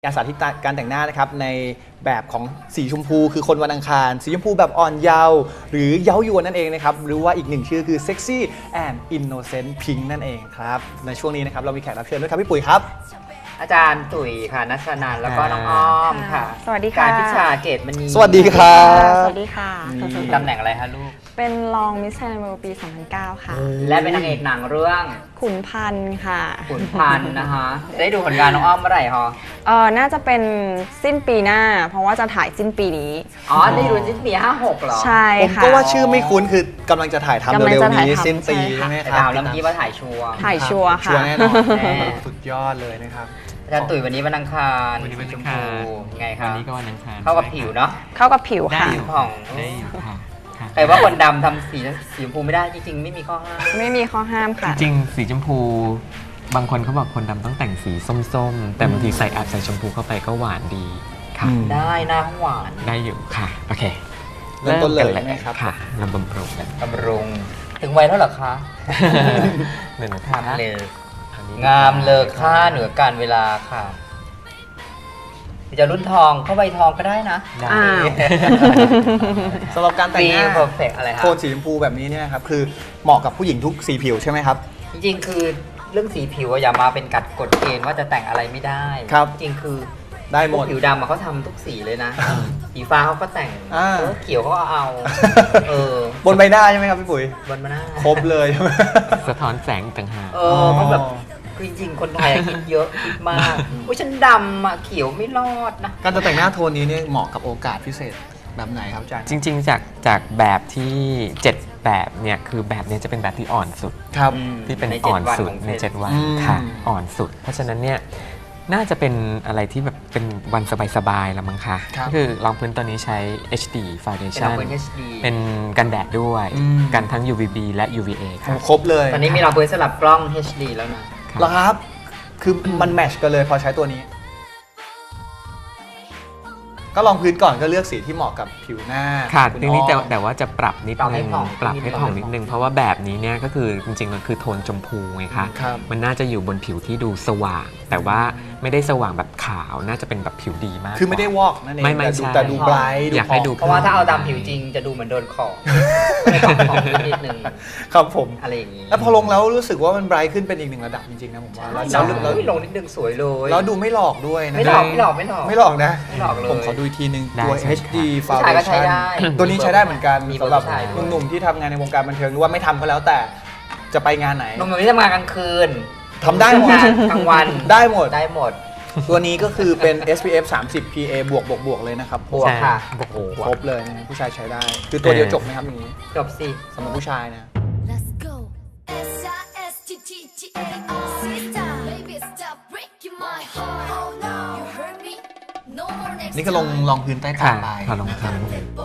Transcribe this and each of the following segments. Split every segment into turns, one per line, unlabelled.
การสาธิตการแต่งหน้านะครับในแบบของสีชมพูคือคนวันอังคารสีชมพูแบบอ่อนเยาว์หรือเย้ายวนนั่นเองนะครับหรือว่าอีกหนึ่งชื่อคือ Sexy and Innocent Pink นั่นเองครับในช่วงนี้นะครับเรามีแขกรับเชิญด้วยครับพี่ปุ๋ยครับ
อาจารย์ตุ๋ยค่ะนัชนันท์แล้วก็น้องอ้อมค่ะ
สวัสดีค่ะ
การพิชาเกตมณี
สวัสดีครับ
สวัสดีค่ะ
ตำแหน่งอะไรคะลูก
เป็นรองมิสไทยแลนด์ปี 2009 ค่ะ
และเป็นนางเอกหนังเรื่อง
ขุนพันธ์ค่ะ
ขุนพันธ์นะคะได้ดูผลงานน้องอ้อมเมื่อไหร่คะ
น่าจะเป็นสิ้นปีหน้าเพราะว่าจะถ่ายสิ้นปีนี้
ได้ดูสิ้นปี56เหรอ
ใช่
ค่ะผมก็ว่าชื่อไม่คุ้นคือกำลังจะถ่ายทำเร็วๆนี้สิ้นปีใช่ไหมครับ
ดาวแล้วเมื่อกี้ว่าถ่ายชัวร์
ค่ะ
ชัวร์แน่นอนสุดยอดเลยนะครับ
อาจารย์ตุ๋ยวันนี้วันอังคาร
วันนี้วันอังคาร
ไงครับ
วันนี้ก็วันอังคาร
เข้ากับผิวเนาะ
เข้ากับผิวค่ะ
ผ่อง
ได้อยู่ค่ะ
ใครว่าคนดำทำสีชมพูไม่ได้จริงๆไม่มีข้อห้าม
ไม่มีข้อห้ามค่ะ
จริงสีชมพูบางคนเขาบอกคนดำต้องแต่งสีส้มๆแต่บางทีใส่ใส่ชมพูเข้าไปก็หวานดีค่ะ
ได้หน้าหวาน
ได้อยู่ค่ะโอเค
เริ่มต้นเลยไหมครับ
ค่ะลำบำรุงกัน
บำรุงถึงวัยแล้วเหรอคะ
หนึ่ง
ทำเลยงามเลอค่าเหนือการเวลาค่ะจะรุ่นทองเข้าใบทองก็ได้นะ
สำหรับการแต่งหน้า
อะไรครับ
โทนสีชมพูแบบนี้เนี่ยครับคือเหมาะกับผู้หญิงทุกสีผิวใช่ไหมครับ
จริงๆคือเรื่องสีผิวอย่ามาเป็นกฎเกณฑ์ว่าจะแต่งอะไรไม่ได้
ครับ
จริงคือ
ได้หมด
ผิวดำเขาทำทุกสีเลยนะสีฟ้าเขาก็แต่งเขียวเขาก็เอา
บนใบหน้าใช่ไหมครับพี่ปุ๋ย
บนใบหน้า
ครบเลย
สะท้อนแสงต่างหาก
เขาแบบจริงๆคนไทยคิดเยอะคิดมากว่าฉันดำเขียวไม่รอดนะ
การจะแต่งหน้าโทนนี้เนี่ยเหมาะกับโอกาสพิเศษแบบไหนครับอาจารย์
จริงๆจากแบบที่7แบบเนี่ยคือแบบนี้จะเป็นแบบที่อ่อนสุด
ครับ
ที่เป็นอ่อนสุดใน7วันค่ะอ่อนสุดเพราะฉะนั้นเนี่ยน่าจะเป็นอะไรที่แบบเป็นวันสบายๆละมั้งคะก็คือรองพื้นตัวนี้ใช้ HD Foundation เป็นกันแดดด้วยกันทั้ง UVB และ UVA ครับ
ครบเลย
ตอนนี้มีรองพื้นสลับกล้อง HD แล้วนะ
เหรอครับคือมันแมทช์กันเลยพอใช้ตัวนี้ก็ลองพื้นก่อนก็เลือกสีที่เหมาะกับผิวหน้า
ค่ะทีนี้แต่ว่าจะปรับนิดนึงปรับให้ผ่องนิดนึงเพราะว่าแบบนี้เนี่ยก็คือจริงๆมันคือโทนชมพูไงคะมันน่าจะอยู่บนผิวที่ดูสว่างแต่ว่าไม่ได้สว่างแบบขาวน่าจะเป็นแบบผิวดีมาก
คือไม่ได้วอกนั่นเอง
ไม่ใช่
แต่ดูไบรท์
อยากให้ดู
เพราะว่าถ้าเอาดำผิวจริงจะดูเหมือนโดนขอไม่ต้องขอนิดนึง
ครับผม
อะไรอย่างนี้
แล้วพอลงแล้วรู้สึกว่ามันไบรท์ขึ้นเป็นอีกหนึ่งระดับจริงๆนะผมว่า
แล้วลงนิดนึงสวยเลย
แล้วดูไม่หลอกด้วยนะ
ไม่หลอก
ไม่หลอกนะผมขอดูอีกทีนึงตัว HD Foundation ตัวนี้ใช้ได้เหมือนกันสำหรับหนุ่มๆที่ทำงานในวงการบันเทิงหรือว่าไม่ทำก็แล้วแต่จะไปงานไหน
หนุ่มๆที่ทำงานกลางคืน
ทำได้หมด
กลางวัน
ได้หมดตัวนี้ก็คือเป็น SPF 30 PA บวกเลยนะครับ
บวกค่ะ
ครบเลยนะผู้ชายใช้ได้คือตัวเดียวจบไหมครับอย่างนี้
จบสิ
สำหรับผู้ชายนะนี่ก็ลองพื้นใต้ตาไป
ลองพื้น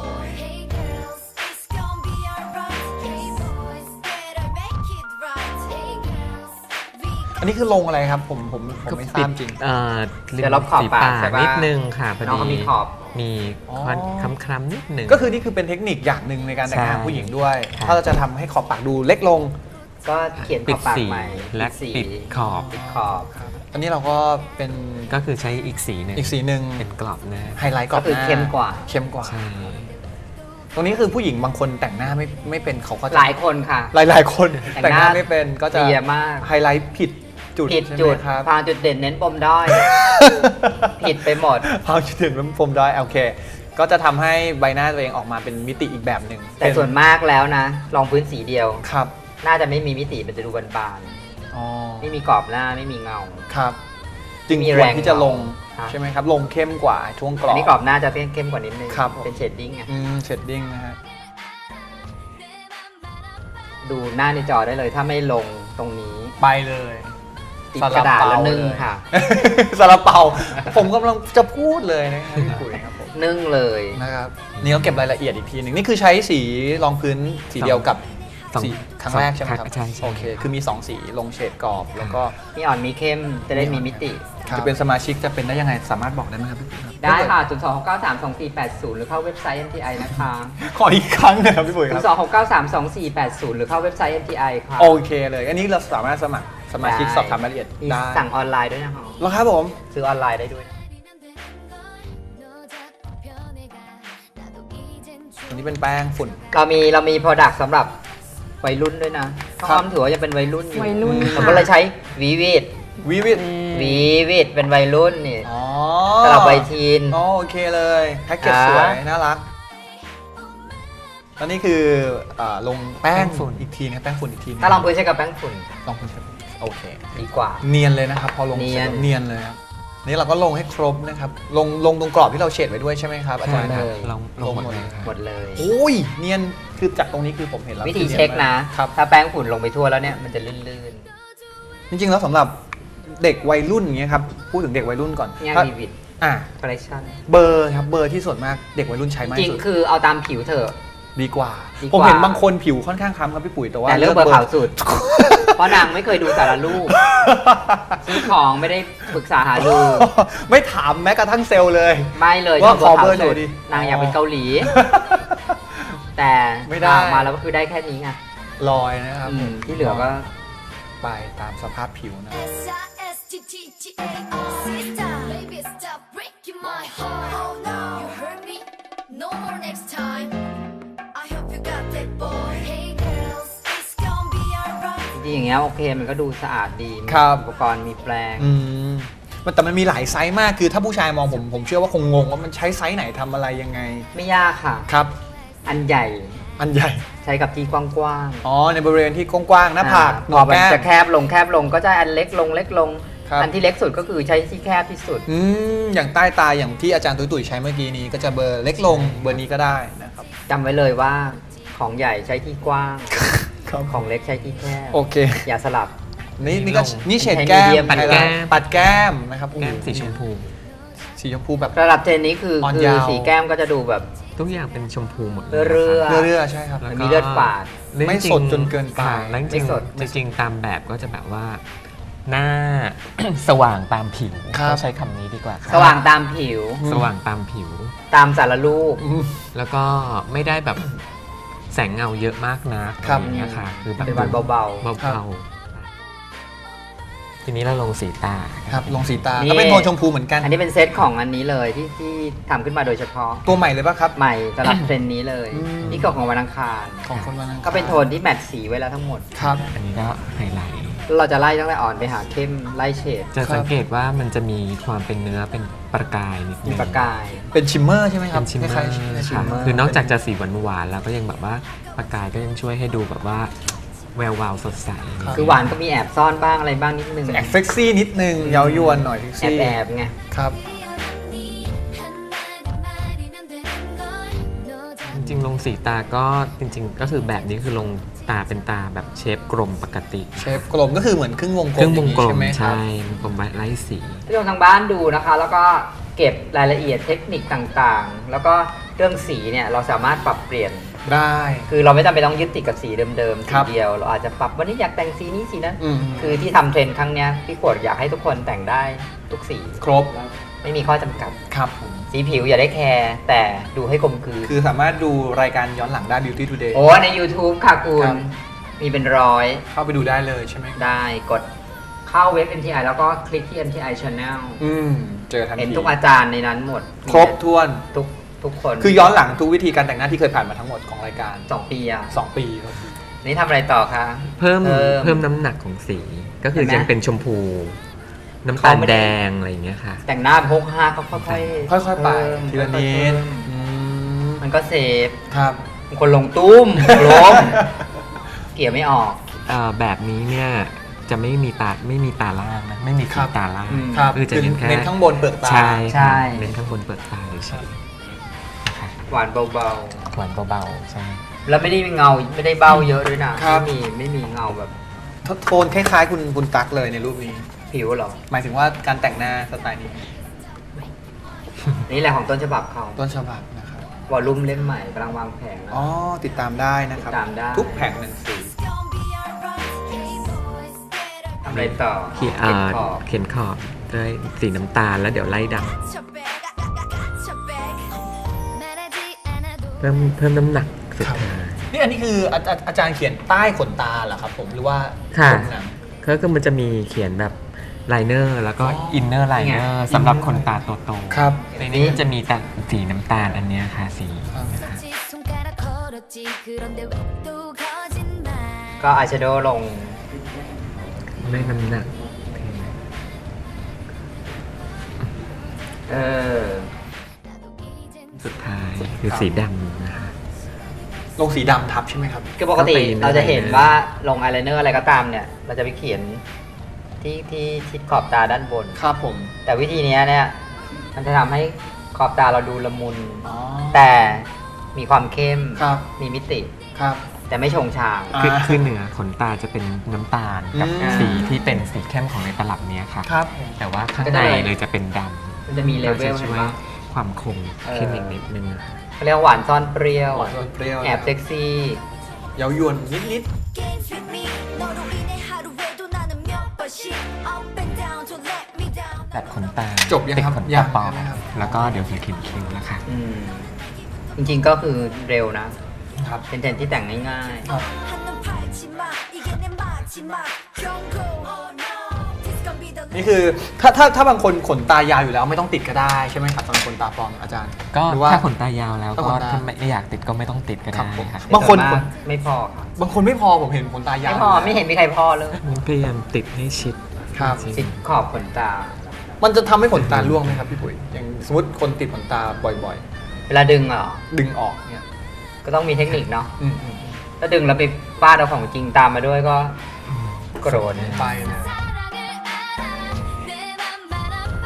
อันนี้คือลงอะไรครับผมไม่ทราบจริง
เดี๋ยวเราขอบปาก
นิดนึงค่ะพอดี
มีขอบ
มีคล้ำๆนิดนึง
ก็คือนี่คือเป็นเทคนิคอย่างหนึ่งในการแต่งหน้าผู้หญิงด้วยถ้าเราจะทำให้ขอบปากดูเล็กลง
ก็เขียนขอบปากใหม่
และปิดขอบ
อันนี้เราก็เป็น
ก็คือใช้อีกสีหนึ่งเป็นกรอบหน้า
ไฮไลท์กรอบหน้า
ก็คือเข้มกว่า
ตรงนี้คือผู้หญิงบางคนแต่งหน้าไม่เป็นเขาก็
หลายคนค่ะ
หลายคนแต่งหน้าไม่เป็นก็จะไฮไลท์ผิดจุด
พางจุดเด่นเน้นปมด้อยผิดไปหมด
พางจุดเด่นเน้นปมด้อยโอเคก็จะทำให้ใบหน้าตัวเองออกมาเป็นมิติอีกแบบหนึ่ง
แต่ส่วนมากแล้วนะรองพื้นสีเดียว
ครับ
น่าจะไม่มีมิติมันจะดูบานๆไม่มีกรอบหน้าไม่มีเงา
ครับจึงควรที่จะลงใช่ไหมครับลงเข้มกว่าช่วงกรอบ
นี่กรอบหน้าจะเข้มกว่านิดนึงเป็นเชดดิ้งไง
เชดดิ้งนะฮะ
ดูหน้าในจอได้เลยถ้าไม่ลงตรงนี้
ไปเลย
ติดกระดาษแล้วนึ่งค่ะ
ซาลาเปาผมกำลังจะพูดเลยนะครับพี่ปุ๋ยครับผม
นึ่งเลย
นะครับนี่เขาเก็บรายละเอียดอีกทีหนึ่งนี่คือใช้สีรองพื้นสีเดียวกับสีครั้งแรกใช่ไหมครับ
ใช่
โอเคคือมี2สีลงเฉดกรอบแล้วก็
มีอ่อนมีเข้มจะได้มีมิติ
จะเป็นสมาชิกจะเป็นได้ยังไงสามารถบอกได้ไหมครับพี่ปุ๋ยครับ
ได้ค่ะ026932480หรือเข้าเว็บไซต์ MTI นะคะ
ขออีกครั้งนะครับพี่ปุ๋ยครับ
026932480หรือเข้าเว็บไซต์ MTI ค่ะ
โอเคเลยอันนี้เราสามารถสมัครสมาชิกสอบถามรายละเอียดได้
สั่งออนไลน์ด้วยนะคะ
แล้วครับผม
ซื้อออนไลน์ได้ด้วย
ตัวนี้เป็นแป้งฝุ่น
เรามี product สำหรับวัยรุ่นด้วยนะข้าว
ครับ
อ้อมถือว่ายังเป็นวัยรุ่นอยู่
วัยรุ่น
เราก็เลยใช้วีวิด
วิวิต
เป็นวัยรุ่นนี่
อ๋อ
สำหรับวัยทีน
อ๋อโอเคเลยแพ็กเกจ
อ่า
สวย น่ารักแล้วนี่คือลงแป้งฝุ่นอีกทีนะแป้งฝุ่นอีกทีนะ
ถ้าลองพื้นใช้กับแป้งฝุ่น
ลองพื้นใช้โอเค
ดีกว่า
เนียนเลยนะครับ พอลง
เนียน
สร็จเนียนเลยครับนี่เราก็ลงให้ครบนะครับลงตรงกรอบที่เราเฉดไว้ด้วยใช่ไหมครับอาจารย์
ใช่
ครับ
เลย
ลงหมดเลยครับ
หมดเลย
โอ้ยเนียนคือจากตรงนี้คือผมเห็นแล้ว
วิธี
อนีย
เช็คนะ
ครับ
ถ้าแป้งฝุ่นลงไปทั่วแล้วเนี่ยมันจะลื่น
จริงๆแล้วสำหรับเด็กวัยรุ่นอย่างเงี้ยครับพูดถึงเด็กวัยรุ่นก่อน
ๆงาน
ถ้า
วีวิด
อ่ะ
คอลเลคชั่น
เบอร์ครับเบอร์ที่ส่วนมากเด็กวัยรุ่นใช้มาก
จริ
ที่
ง
สุด
ๆคือเอาตามผิวเถอะ
ดีกว่า
ดีกว่า
ผมเห็นบางคนผิวค่อนข้างคล้ำครับพี่ปุ๋ยแต่ว่า
แต่เลือกเบอร์ขาวสุด เพราะนางไม่เคยดูสารรูป ซื้อของไม่ได้ปรึกษาหาดู
ไม่ถามแม้กระทั่งเซลล์เลย
ไม่เลย
ว่า
ชอบเบอร์
ขอเบอร์
ขาวสุด
หน่อยดิ
นางอยากเป็นเกาหลี แต่
ไม่ได้
ออกมาแล้วก็คือได้แค่นี้ไง
ลอยนะครับ
ที่เหลือก็
ไปตามสภาพผิวนะ
S-I-S-T-T-G-A-R Sister Baby stop breaking my heart Oh no You hurt me No more next time I hope you got that boy Hey girls It's gonna be alright
จริงๆอย่างเงี้ยโอเคมันก็ดูสะอาดดีมี
ครับ
อุปกรณ์มีแปรง
อืมแต่มันมีหลายไซส์มากคือถ้าผู้ชายมองผมเชื่อว่าคงงงว่ามันใช้ไซส์ไหนทำอะไรยังไง
ไม่ยากค่ะ
ครับ
อันใหญ่
อันใหญ่
ใช้กับที่กว้าง
อ๋อในบริเวณที่กว้างๆหน้าผาก
ๆ
หน
พ
อ
อก มัน
แก้ม
จะแคบลงก็จะอันเล็กลง
ครับ
อันที่เล็กสุดก็คือใช้ที่แคบที่สุด
อย่างใต้ตาอย่างที่อาจารย์ตุ้ยๆใช้เมื่อกี้นี้ก็จะเบอร์เล็กลงเบอร์นี้ก็ได้นะครับ
จำไว้เลยว่าของใหญ่ใช้ที่กว้าง
ครับ
ของเล็กใช้ที่แคบ
โอเค
อย่าสลับ
นี่ก็
ลง
นี่เฉดแก้ม
ใช้ medium
ไฮไลท์ปัดแก้มนะครับ
แก้มสีชมพู
สีชมพูแบบ
ระดับเทรนนี้คือ
อ่อน
คือย
าว
สีแก้มก็จะดูแบบ
ทุกอย่างเป็นชมพูหมดเลย
เรื่อ
นะคะ
เรื่อยๆใช่ครับ
แล้ว
มีเลือดฝาด
ไม่สดจนเกินไป
ค่ะแล้วจ
ไม่
ริง
สด
ๆจริงๆตามแบบก็จะแบบว่า หน้า สว่างตามผิว
ครับ
ต้องใช้คำนี้ดีกว่าค่ะ
สว่างตามผิว
สว่างตามผิว
ตามสารรูป
แล้วก็ไม่ได้แบบแสงเงาเยอะมากนัก
ครับ
อะไรอย่างเงี้ยค่ะ คือแบบ
เป็นวันเบา
เบา
ครับ
ๆทีนี้เราลงสีตา
ครับลงสีตา
นี่
ก็เป็นโทนชมพูเหมือนกัน
ๆ อันนี้เป็นเซตของอันนี้เลยที่ทำขึ้นมาโดยเฉพาะ
ตัวใหม่เลยป่ะครับ
ใหม่สำหรับเทรนนี้เลย
อืม
นี่ก็ของวันอังคาร
ของคนวันนั้น
ก็เป็นโทนที่แมทสีไว้แล้วทั้งหมด
ครับ
อันนี้ก็ไฮไลท์
แล้วเราจะไล่ตั้งแต่อ่อนไปหาเข้มไล่เฉด
จะ
ครับ
สังเกตว่ามันจะมีความเป็นเนื้อเป็นประกายนิดนึ
มี
ง
ประกาย
เป็นชิมเมอร์ใช่ไหมครั
เป็
บ
นชิมเมอ
คล้าย
ร์
ๆชิม
ค่ะ
เมอร์
คือนอกจากจะสีหวานๆแล้วก็ยังแบบว่าประกายก็ยังช่วยให้ดูแบบว่าแวววาวสดใส
คือหวานก็มีแอบซ่อนบ้างอะไรบ้างนิดนึง
แอบเซ็กซี่นิดนึงเย้ายวนหน่อยเซ็ก
แอบ
ซี่
แอบๆไง
ครับ
จริงๆลงสีตาก็จริงๆ ก็คือแบบนี้คือลงตาเป็นตาแบบเชฟกลมปกติ
เชฟกลมก็คือเหมือนครึ่งวงกลม
เครื่องวงกล
อย่า
ม
ใช่ไหมครับ
ใช่วงกลมไล่สี
ที่เราทางบ้านดูนะคะ แล้วก็เก็บรายละเอียดเทคนิคต่างๆ แล้วก็เรื่องสีเนี่ยเราสามารถปรับเปลี่ยน
ได้
คือเราไม่จำเป็นต้องยึดติดกับสีเดิมๆ
ค
สี
รับ
เดียว เราอาจจะปรับวันนี้อยากแต่งสีนี้สีนั้น
อืม
คือที่ทำเทรนด์ครั้งเนี้ยพี่ขวดอยากให้ทุกคนแต่งได้ทุกสี
ครบ
ไม่มีข้อจำกัด
ครับผม
สีผิวอย่าได้แคร์แต่ดูให้กลมกลืน
คือสามารถดูรายการย้อนหลังได้ Beauty Today
โอ้ใน YouTube ค่ะคุ
ครั
ณ
บ
มีเป็นร้อย
เข้าไปดูได้เลยใช่ไหม
ได้กดเข้าเว็บ NTI แล้วก็คลิกที่ NTI Channel
เจอทันที
เห็นทุกอาจารย์ในนั้นหมด
ครบถ้วน
ทุกคน
คือย้อนหลังทุกวิธีการแต่งหน้าที่เคยผ่านมาทั้งหมดของรายการ
2 ปีอะ
2 ปีครับ
นี่ทำอะไรต่อคะ
เพิ่มน้ำหนักของสี ก็คือ
เห็นไหม
ยังเป็นชมพู น้ำตาลแดงอะไรอย่างเงี้ยค่ะ
แต่งหน้าพกห้าก็ค่อยๆ
ค่อยๆไป
เพิ่ม
ทีละนิด
ค่อยๆมันก็เซฟ
ครับ
บางคนลงตุ้ม ล้มเกี่ยวไม่ออก
แบบนี้เนี่ยจะไม่มีตาล่างนะไม่มี
ครั
ขี
บ
ดตาล่าง
ครับ
คือจะเน้นแค่
เน้นข้างบนเปลือกตา
ใช่
ใช่
ค่ะเน้นข้างบนเปลือกตาเฉย
หวานเบา
ๆหวานเบาๆใช่
ๆ แล้วไม่ได้มีเงาไม่ได้เบ้าเยอะด้วยนะครับ ไม่มีเงาแบบ
โทนคล้ายๆคุณตั๊กเลยในรูปนี้
ผิวหรอ
หมายถึงว่าการแต่งหน้าสไตล์นี้
นี่แหละของต้นฉบับเขา
ต้นฉบับนะครับ
วอลลุ่มเล่มใหม่กำลังวางแผงนะ
อ๋อ ติดตามได้นะครับ
ติดตามได้
ทุกแผงหนังสือ
ทำอะไรต่อ
เขียน
เก็บขอบ
เขียนขอบด้วยสีน้ำตาลแล้วเดี๋ยวไล่ดำเพิ่มน้ำหนักสุดท้าย
นี่อันนี้คืออาจารย์เขียนใต้ขนตาเหรอครับผมหรือว่า
ค่ะ
ตรงหนัง
ก็คือมันจะมีเขียนแบบไลเนอร์แล้วก็
อ๋ออิ
อินเนอร์ไลเนอร์สำหรับคนตาโตๆ
ครับ
ในนี้มันจะมีแต่สีน้ำตาลอันเนี้ยค่ะสี
ครับ
นะคะ
지 그런데 왜 또 거짓말
ก็อายแชโดว์ลง
ได้น้ำหนัก
เออ
สุดท้ายคือสีดำนะคะ
ลงสีดำทับใช่ไหมครับ
คือปกติ
ก็เป็น
เราจะเห็นว่าลงอายไลเนอร์อะไรก็ตามเนี่ย เราจะไปเขียนที่ชิดขอบตาด้านบน
ครับผม
แต่วิธีเนี้ยเนี่ยมันจะทำให้ขอบตาเราดูละมุน
อ๋อ
แต่มีความเข้ม
ครับ
มีมิติ
ครับ
แต่ไม่ชงชาง
คือเหนือขนตาจะเป็นน้ำตาลกับ
อืม
สีที่เป็นสีเข้มของในตลับเนี้ยค่ะ
ครับ
แต่ว่าข้างในเลยจะเป็นด
มันจะมี
ำ
เล
ก็
เว
จะ
ล
ช่
เห็น
วย
ปะ
ความคมขึ้นอีกนิดนึง
เขาเรียกว่าหวานซ่อนเปรี้ยว
หวานเปรี้ยว
แอบเซ็กซี่
เย้ายวนนิด
Games with me 너로 인해 하루에도 나는 몇 번씩 Up and down don't let me down
แบบขนตา
จบยัง
ติด
ครับ
ขน
ยั
ตาง ปลอม
ใช่ไหมครับ
แล้วก็เดี๋ยวจะเขียนคิ้วแล้วค่ะ
อืมจริงๆก็คือเร็วนะ
ๆครับ
เป็นเทรนด์ที่แต่งง่าย
ครับ
한눈 팔지 마 이게 내 마지막 경고 Oh no This gon' be the
นี่คือถ้าบางคนขนตายาวอยู่แล้วไม่ต้องติดก็ได้ใช่ไหมครับสำหรับขนตาปลอมอาจารย์
ก็
หรือว่า
ถ้าขนตายาวแล้ว
ถ้า
ก็
ขนตา
ถ้าไม่อยากติดก็ไม่ต้องติดก็
ครั
ได้
บผม
ค่ะ
ๆ
บางคน
แต่ส่วมกไม่พอครับ
บางคนไม่พอผมเห็นขนตายาว
ไม่พอไม่เห็นมีใครพอเลย
พยายามติดให้ชิด
ครับ
จริง
ติดขอบขนตา
มันจะทำให้ขนตาร่วงไหมครับพี่ปุ๋ยอย่างสมมติคนติดขนตาบ่อย
เวลาดึงเหรอ
ๆ ดึงออกเนี่ย
ก็ต้องมีเทคนิคเนาะ
อืม
ถ้าดึงแล้วไปฟาดเอาของจริงตามมาด้วยก็โกรธ
ไปเลย
사랑을 알아 내 맘 바라봐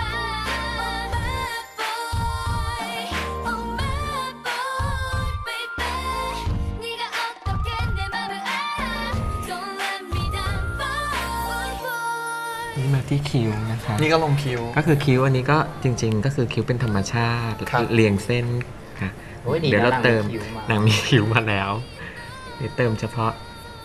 Oh my boy baby 네가 어떻게 내 맘을 알아 Don't let me down boy boy
นี่มาที่คิ้วนะคะ
นี่ก็ลงคิ้ว
ก็คือคิ้วอันนี้ก็จริง ๆ ก็คือคิ้วเป็นธรรมชาติ
ครับ
เรียงเส้นค่ะ
โอ้ยดีนะ
เดี๋ยวเราเติม
หนังมีคิ้วมา
หนังมีคิ้วมาแล้วเดี๋ยวเติมเฉพาะ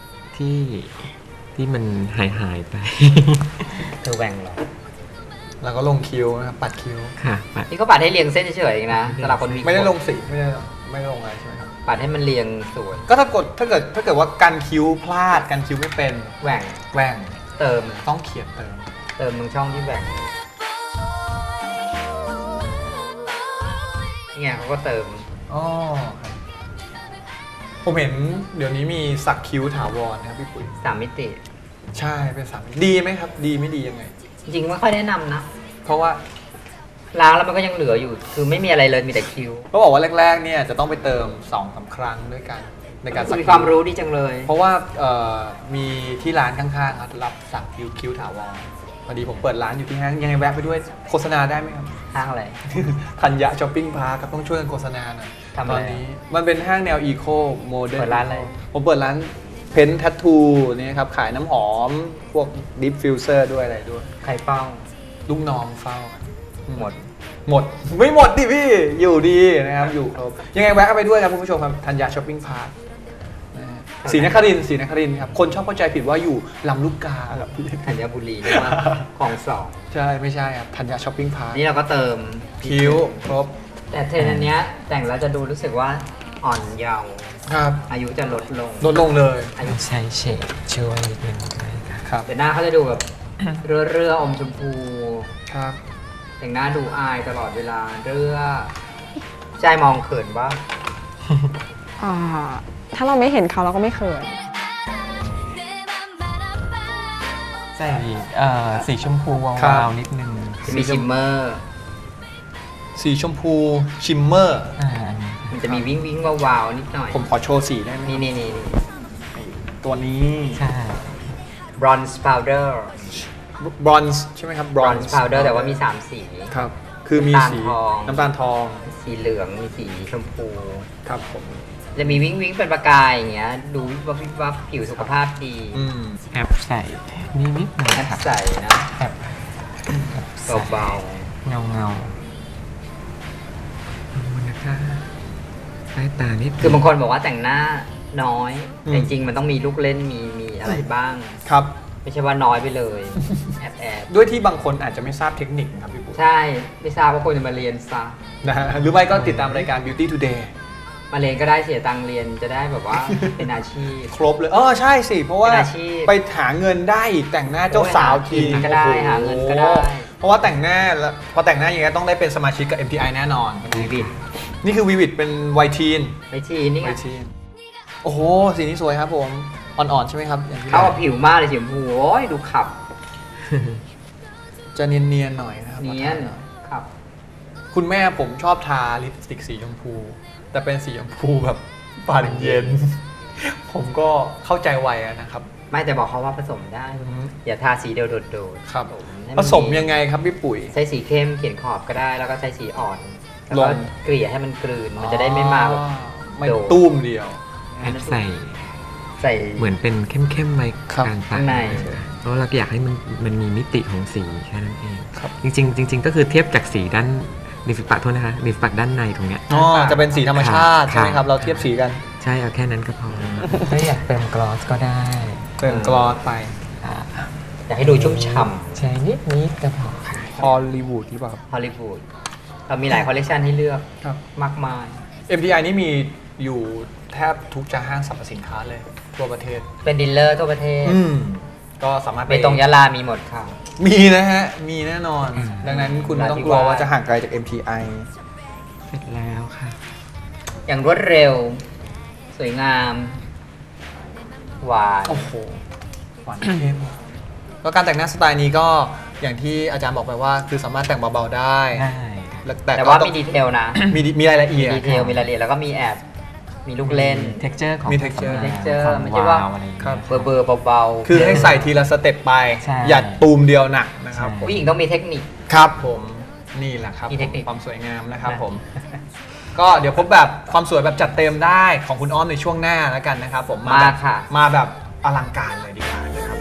ที่มันหายไป
เธอแหว่งเหรอ
แล้วก็ลงคิ้วนะครับปัดคิ้ว
ค่ะปัด
นี่ก็ปัดให้เรียงเส้นเฉยๆเองนะสำหรับคนมี
ไม่ได้
ขน
ลงสีไม่ได้ลงอะไรใช่ไหมครับ
ปัดให้มันเรียงสวย
ก็ถ้าเกิดว่ากันคิ้วพลาดกันคิ้วไม่เป็น
แหว่ง
แหว่ง
เติม
ต้องเขียนเติม
เติมตรงช่องที่แหว่งนี่ไงเขาก็เติม
อ๋อครับผมเห็นเดี๋ยวนี้มีสักคิ้วถาวรนะครับพี่ปุ๋ย
3 มิติ
ใช่เป็นสามดีไหมครับ ดีไม่ดียังไง
จริงๆไม่ค่อยแนะนำนะ
เพราะว่า
ล้างแล้วมันก็ยังเหลืออยู่ คือไม่มีอะไรเลยมีแต่คิ้ว
เขาบอกว่าแรกๆเนี่ยจะต้องไปเติม2-3 ครั้งด้วยกันในการสัก
มี
คิ้
ความรู้ดีจังเลย
เพราะว่ามีที่ร้านข้างๆครับรับสักคิ้วถาวรพอดีผมเปิดร้านอยู่ที่ห้างยังไงแวะไปด้วยโฆษณาได้ไหมครับ
ห้างอะไร
ธัญญะช้อปปิ้งพาร์คครับต้องช่วยกันโฆษณาหน่อย
ทำ
ต
อะไร
อนนี้มันเป็นห้างแนวอีโคโมเดิร์น
เปิดร้านอะไร
ผมเปิดร้านเพนทัตทูนี่ครับขายน้ำหอม พวกดิฟฟิวเซอร์ด้วยอะไรด้วย
ใครเป้า
ลูกน้องเฝ้า
หมด
หมด ไม่หมดดิพี่ อยู่ดีนะครับ อยู่ครบยังไงแวะเข้าไปด้วยครับคุณผู้ชมครับธัญญาช้อปปิ้งพาร์คศรีนครินทร์ครับ คนชอบเข้าใจผิดว่าอยู่ลำลูกกาครับพี่
ธัญบุรีเรียกว่าของสอง
ใช่ไม่ใช่ครับธัญญาช้อปปิ้งพาร์ค
นี่เราก็เติม
คิ้วครบ
แต่เทรนด์อันเนี้ยแต่งแล้วจะดูรู้สึกว่าอ่อนเยาว์
ครับ
อายุจะลดลง
ลดลงเลย
อายุ
ใช้เฉดช่วยนิดนึงได้ค่ะ
ครับ
แต่หน้าเขาจะดูแบบ เรื่ออมชมพู
ครับ
แต่งหน้าดูอายตลอดเวลาเรื่อใจมองเขินว่า
อ่าถ้าเราไม่เห็นเขาเราก็ไม่เขิน
내 맘 바라봐
ใส่สีชมพูว
ครั
าว
บ
ๆนิดนึง
จะมีชิมเมอร์
สีชมพูชิมเมอร์
อันนี้
มันจะมีวิ้งวิ้งวาวๆนิดหน่อย
ผมขอโชว์สีได้ไหม
นี่
ตัวนี้
ใช่
บรอนซ์พาวเดอร์
บรอนซ์ใช่ไหมครับ
บรอนซ์พาวเดอร์แต่ว่ามี 3 สี
ครับ คือมีสี
น้ำตาลทอง
น้ำตาลทอง
สีเหลือง มีสีชมพู
ครับผม
จะมีวิ้งวิ้งเป็นประกายอย่างเงี้ย ดูวิบวับวิบวับผิวสุขภาพดี
อืม
แอบใส่นิดหนึง
แอป
ครับ
ใส่นะ
แอบใส่
เบา
เงามันนะคะใต้ตานิด
ๆคือบางคนบอกว่าแต่งหน้าน้อย แต่จริงๆมันต้องมีลูกเล่นมีอะไรบ้าง
ครับ
ไม่ใช่ว่าน้อยไปเลย แอบ
ด้วยที่บางคนอาจจะไม่ทราบเทคนิคนะครับพี่ปุ๊
ใช่ ไม่ทราบว่าควรจะมาเรียนซะ
นะฮะหรือไม่ก็ติดตามรายการ Beauty Today
มาเรียนก็ได้เสียตังค์เรียนจะได้แบบว่า เป็นอาชีพ
ครบเลยใช่สิ เพราะว่า
เป็นอาชีพ
ไปหาเงินได้อีกแต่งหน้าเจ้าสาวที
ก็ได้
โอ้โ
หาเงินก็ได้
เพราะว่าแต่งหน้าแล้วพอแต่งหน้าอย่างเงี้ยต้องได้เป็นสมาชิกกับ MTI แน่นอน
วีวิด
นี่คือวีวิดเป็นไวทีน
ไอทีนี่
ไว
ไง
ทีน
네가
โอ้โหสีนี้สวยครับผมอ่อนๆใช่ไหมครับอย่างที่
เข้ากับผิวมากเลยสีชมพูโอ้ยดูขับ
จะเนียนๆหน่อยนะครับ
เนียนขับ
คุณแม่ผมชอบทาลิปสติกสีชมพู แต่เป็นสีชมพูแบบปานเย็น ผมก็เข้าใจวัยนะครับ
ไม่แต่บอกเขาว่าผสมได้ อย่าทาสีเดียวโดดๆ
ครับ
ให้
ผ
น
สมยังไงครับพี่ปุ๋ย
ใช้สีเข้มเขียนขอบก็ได้ แล้วก็ใช้สีอ่อนแล้ว
ล
ก็
ง
เกลี่ยให้มันกลืนมันจะได้ไม่มาแบบ
ไม่
โดด
ตุ้มเดียว
แอบใส่
ใส่
เหมือนเป็นเข้มๆไว้
ครับ
กลางปา
ข้าก งใน
เพราะเราอยากให้มันมีมิติของสีแค่นั้นเอง
ครับ
จริงๆก็คือเทียบจากสีด้านริมฝีปากโทษนะคะริมฝีปากด้านในตรงเนี้ย
อ๋อจะเป็นสีธรรมชาติ
ค่ะ
ใช่ไหมครับ เราเทียบสีกัน
ใช่เอาแค่นั้นก็พอถ้าอยากเติมกลอสก็ได้
เติมกลอสไป
อยากให้ดูชุ่มฉ่
ใช้นิดก็พอค่ะ
ฮอลลีวูดหรือเปล่าครับ
ำฮอลลีวูดเรามีหลายคอลเลคชันให้เลือก
ครับ
มากมาย
MTI นี่มีอยู่แทบทุกจะห้างสรรพสินค้าเลยทั่วประเทศ
เป็นดีลเลอร์ทั่วประเทศ
ก็สามารถ
ไปตรงยะลามีหมดค่ะ
มีนะฮะ มีแน่นอน ดังนั้นคุณไม่ต้องกลัวว่าจะห่างไกลจาก MTI
เสร็จแล้วค่ะ
อย่างรวดเร็ว สวยงาม หวาน
โอ้โหหวานเข้มแล้วการแต่งหน้าสไตล์นี้ก็อย่างที่อาจารย์บอกไปว่า คือสามารถแต่งเบาๆได้
ได้
แต่ว่า
ก็
มีดีเทลนะ
มีรายละเอียด
ดีเทลมีรายละเอียดแล้วก็มีแอบ มีลูกเล่น
texture ของ
มี texture
ผส
texture
ความ
ไม่ใช่ว่า
อะไรอย่างเงี้ย
ครับ
เบอร์เบาๆ
คือให้ใส่ทีละสเต็ปไป
ใช่
อย่าตูมเดียวหนักนะครับ
ใช่
ผม
ผู้หญิงต้องมีเทคนิค
ครับผมนี่แหละครับ
มีเทคนิค
ความสวยงามนะครับผม ก็เดี๋ยวพบแบบความสวยแบบจัดเต็มได้ของคุณอ้อมในช่วงหน้าแล้วกันนะครับผม
มา
แบบ
ค่ะ
มาแบบอลังการเลยดีกว่านะครับ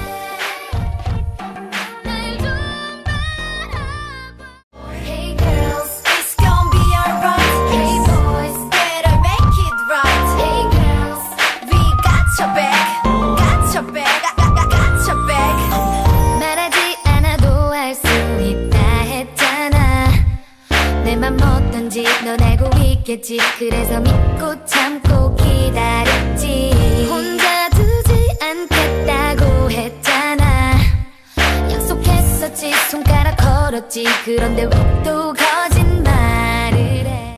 Hey girls, it's gonna be alright. Hey boys, better make it right. Hey girls, we got your back, got your back, got your back. 말하지 않아도 알 수 있다 했잖아. 내 맘 어떤지 넌 알고 있겠지. 그래서 믿고 참고 기다렸지. 혼자 두지 않겠다고 했잖아. 약속했었지 손가락 걸었지 그런데 왜 또